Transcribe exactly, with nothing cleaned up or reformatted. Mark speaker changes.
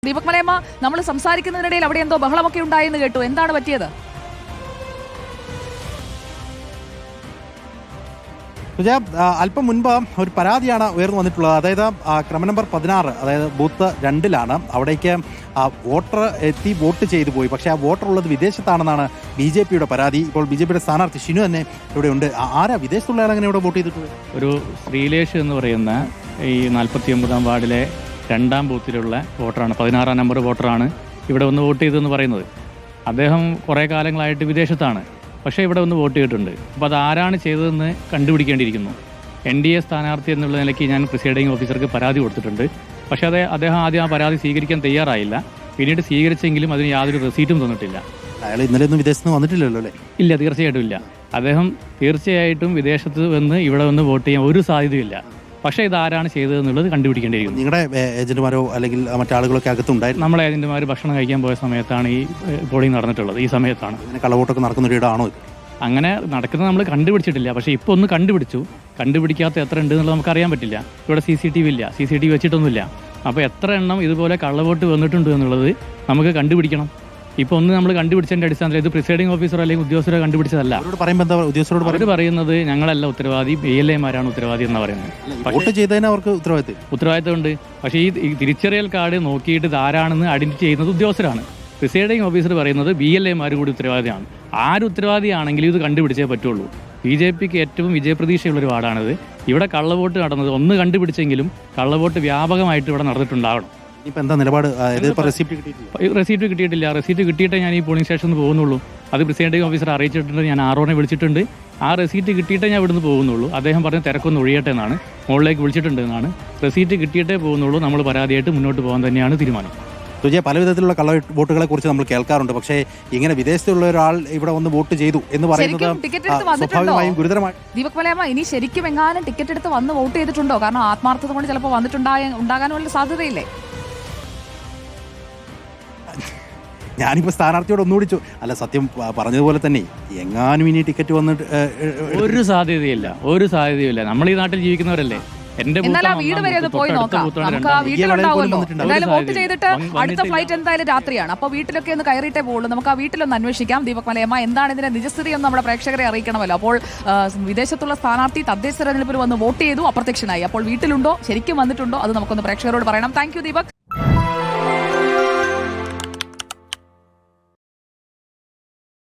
Speaker 1: ദീപക് മലയമ്മ, നമ്മൾ സംസാരിക്കുന്നതിനിടയിൽ അവിടെ എന്തോ ബഹളമൊക്കെ ഉണ്ടായെന്ന് കേട്ടു. എന്താണ് പറ്റിയത്?
Speaker 2: അല്പം മുൻപ് ഒരു പരാതിയാണ് ഉയർന്നു വന്നിട്ടുള്ളത്. അതായത് ക്രമ നമ്പർ പതിനാറ്, അതായത് ബൂത്ത് രണ്ടിലാണ്. അവിടേക്ക് വോട്ടർ എത്തി വോട്ട് ചെയ്തു പോയി. പക്ഷേ ആ വോട്ടർ ഉള്ളത് വിദേശത്താണെന്നാണ് ബി ജെ പിയുടെ പരാതി. ഇപ്പോൾ ബി ജെ പിയുടെ സ്ഥാനാർത്ഥി ഷിനു തന്നെ ഇവിടെ ഉണ്ട്. ആരാ വിദേശത്തുള്ള ആളെങ്ങനെ ഇവിടെ വോട്ട് ചെയ്തിട്ടുള്ളത്?
Speaker 3: ഒരു ശ്രീലേഷ് എന്ന് പറയുന്ന ഈ നാൽപ്പത്തി ഒമ്പതാം വാർഡിലെ രണ്ടാം ബൂത്തിലുള്ള വോട്ടറാണ്, പതിനാറാം നമ്പർ വോട്ടറാണ് ഇവിടെ ഒന്ന് വോട്ട് ചെയ്തതെന്ന് പറയുന്നത്. അദ്ദേഹം കുറേ കാലങ്ങളായിട്ട് വിദേശത്താണ്, പക്ഷേ ഇവിടെ ഒന്ന് വോട്ട് ചെയ്തിട്ടുണ്ട്. അപ്പോൾ അത് ആരാണ് ചെയ്തതെന്ന് കണ്ടുപിടിക്കേണ്ടിയിരിക്കുന്നു. എൻ ഡി എ സ്ഥാനാർത്ഥി എന്നുള്ള നിലയ്ക്ക് ഞാൻ പ്രിസൈഡിംഗ് ഓഫീസർക്ക് പരാതി കൊടുത്തിട്ടുണ്ട്. പക്ഷേ അത് അദ്ദേഹം ആദ്യം ആ പരാതി സ്വീകരിക്കാൻ തയ്യാറായില്ല. പിന്നീട് സ്വീകരിച്ചെങ്കിലും അതിന് യാതൊരു റെസീറ്റും തന്നിട്ടില്ല.
Speaker 2: അയാൾ ഇന്നലെ ഒന്നും വിദേശത്ത് നിന്ന് വന്നിട്ടില്ലല്ലോ അല്ലേ?
Speaker 3: ഇല്ല, തീർച്ചയായിട്ടും ഇല്ല. അദ്ദേഹം തീർച്ചയായിട്ടും വിദേശത്ത് വന്ന് ഇവിടെ വന്ന് വോട്ട് ചെയ്യാൻ ഒരു സാധ്യതയില്ല. പക്ഷേ ഇത് ആരാണ് ചെയ്തതെന്നുള്ളത് കണ്ടുപിടിക്കേണ്ടിയിരിക്കുന്നു.
Speaker 2: നിങ്ങളുടെ ഏജന്റുമാരോ അല്ലെങ്കിൽ മറ്റാളുകളൊക്കെ അകത്തുണ്ടായിരുന്നു?
Speaker 3: നമ്മളെ ഏജന്റുമാർ ഭക്ഷണം കഴിക്കാൻ പോയ സമയത്താണ് ഈ പോളിംഗ് നടന്നിട്ടുള്ളത്. ഈ സമയത്താണ്.
Speaker 2: കള്ളവോട്ടൊക്കെ നടക്കുന്ന ഒരു ഇടമാണോ?
Speaker 3: അങ്ങനെ നടക്കുന്നത് നമ്മൾ കണ്ടുപിടിച്ചിട്ടില്ല. പക്ഷേ ഇപ്പോൾ ഒന്ന് കണ്ടുപിടിച്ചു. കണ്ടുപിടിക്കാത്ത എത്ര ഉണ്ട് എന്നുള്ളത് നമുക്ക് അറിയാൻ പറ്റില്ല. ഇവിടെ സി സി ടി വി ഇല്ല, സി സി ടി വി വെച്ചിട്ടൊന്നുമില്ല. അപ്പോൾ എത്ര എണ്ണം ഇതുപോലെ കള്ളവോട്ട് വന്നിട്ടുണ്ട് എന്നുള്ളത് നമുക്ക് കണ്ടുപിടിക്കണം. ഇപ്പോൾ ഒന്ന് നമ്മൾ കണ്ടുപിടിച്ചതിൻ്റെ അടിസ്ഥാനത്തിൽ ഇത് പ്രിസൈഡിംഗ് ഓഫീസറോ അല്ലെങ്കിൽ ഉദ്യോഗസ്ഥരോ കണ്ടുപിടിച്ചതല്ല. അവർ പറയുന്നത് ഞങ്ങളല്ല ഉത്തരവാദി, ബി എൽ എമാരാണ് ഉത്തരവാദി എന്നാണ് പറയുന്നത്.
Speaker 2: വോട്ട് ചെയ്തതിന് അവർക്ക് ഉത്തരവാദിത്വം
Speaker 3: ഉത്തരവാദിത്തമുണ്ട്. പക്ഷേ ഈ തിരിച്ചറിയൽ കാർഡ് നോക്കിയിട്ട് ഇത് ആരാണെന്ന് ഐഡന്റിറ്റി ചെയ്യുന്നത് ഉദ്യോഗസ്ഥരാണ്. പ്രിസൈഡിംഗ് ഓഫീസർ പറയുന്നത് ബി എൽ എമാർ കൂടി ഉത്തരവാദിയാണ്. ആര് ഉത്തരവാദിയാണെങ്കിലും ഇത് കണ്ടുപിടിച്ചേ പറ്റുള്ളൂ. ബി ജെ പിക്ക് ഏറ്റവും വിജയപ്രതീക്ഷയുള്ളൊരു വാർഡാണിത്. ഇവിടെ കള്ളവോട്ട് നടന്നത് ഒന്ന് കണ്ടുപിടിച്ചെങ്കിലും കള്ളവോട്ട് വ്യാപകമായിട്ട് ഇവിടെ നടന്നിട്ടുണ്ടാവണം.
Speaker 2: ഇപ്പം എന്താ നിലപാട്?
Speaker 3: റെസീറ്റ് കിട്ടിയിട്ടില്ല. റെസീറ്റ് കിട്ടിയിട്ടേ ഞാൻ ഈ പോളിംഗ് സ്റ്റേഷനിൽ പോകുന്നുള്ളൂ. അത് പ്രിസൈഡിംഗ് ഓഫീസർ അറിയിച്ചിട്ടുണ്ട്. ഞാൻ ആറോനെ വിളിച്ചിട്ടുണ്ട്. ആ റെസീറ്റ് കിട്ടിയിട്ടേ ഞാൻ ഇവിടുന്ന് പോകുന്നുള്ളൂ. അദ്ദേഹം പറഞ്ഞ് തിരക്കൊന്ന് ഒഴിയട്ടെ എന്നാണ്, മുകളിലേക്ക് വിളിച്ചിട്ടുണ്ട് എന്നാണ്. റെസീറ്റ് കിട്ടിയിട്ടേ പോകുന്നുള്ളൂ. നമ്മൾ പരാതിയായിട്ട് മുന്നോട്ട് പോകാൻ തന്നെയാണ് തീരുമാനം.
Speaker 2: സുജയ, പല വിധത്തിലുള്ള കള്ള വോട്ടുകളെ കുറിച്ച് നമ്മൾ കേൾക്കാറുണ്ട്. പക്ഷേ ഇങ്ങനെ വിദേശത്തുള്ള ഒരാൾ ഇവിടെ വന്ന് വോട്ട് ചെയ്തു എന്ന് പറയുന്നത് സ്വാഭാവികമായും ഗുരുതരമായി.
Speaker 1: ദീപക് മലയമ്മ, ഇനി ശരിക്കും എങ്ങാനും ടിക്കറ്റ് എടുത്ത് വന്ന് വോട്ട് ചെയ്തിട്ടുണ്ടോ? കാരണം ആത്മാർത്ഥത കൊണ്ട് ചിലപ്പോൾ വന്നിട്ടുണ്ടായ ഉണ്ടാകാനുള്ള സാധ്യതയില്ലേ?
Speaker 2: ഞാനിപ്പോൾ സ്ഥാനാർത്ഥിയോട് ഒന്നുകൂടി അല്ല, സത്യം പറഞ്ഞതുപോലെ തന്നെ എങ്ങാനും ഇനി ടിക്കറ്റ് വന്നിട്ട്
Speaker 1: ഒരു
Speaker 3: സാധ്യതയില്ല, ഒരു സാധ്യതയില്ല. നമ്മൾ ഈ നാട്ടിൽ ജീവിക്കുന്നവരല്ലേ.
Speaker 1: എന്നാൽ ആ വീട് വരെ ഒന്ന് പോയി നോക്കാം. നമുക്ക് ആ വീട്ടിലുണ്ടാവുമല്ലോ. എന്തായാലും വോട്ട് ചെയ്തിട്ട് അടുത്ത ഫ്ലൈറ്റ് എന്തായാലും രാത്രിയാണ്. അപ്പോൾ വീട്ടിലൊക്കെ ഒന്ന് കയറിയിട്ടേ പോകുള്ളൂ. നമുക്ക് ആ വീട്ടിലൊന്ന് അന്വേഷിക്കാം. ദീപക് മലയമ്മ, എന്താണ് ഇതിന്റെ നിജസ്ഥിതി എന്ന് നമ്മുടെ പ്രേക്ഷകരെ അറിയിക്കണമല്ലോ. അപ്പോൾ വിദേശത്തുള്ള സ്ഥാനാർത്ഥി തദ്ദേശ തെരഞ്ഞെടുപ്പിൽ വന്ന് വോട്ട് ചെയ്തു, അപ്രത്യക്ഷനായി. അപ്പോൾ വീട്ടിലുണ്ടോ, ശരിക്കും വന്നിട്ടുണ്ടോ, അത് നമുക്കൊന്ന് പ്രേക്ഷകരോട് പറയണം. Thank you Deepak.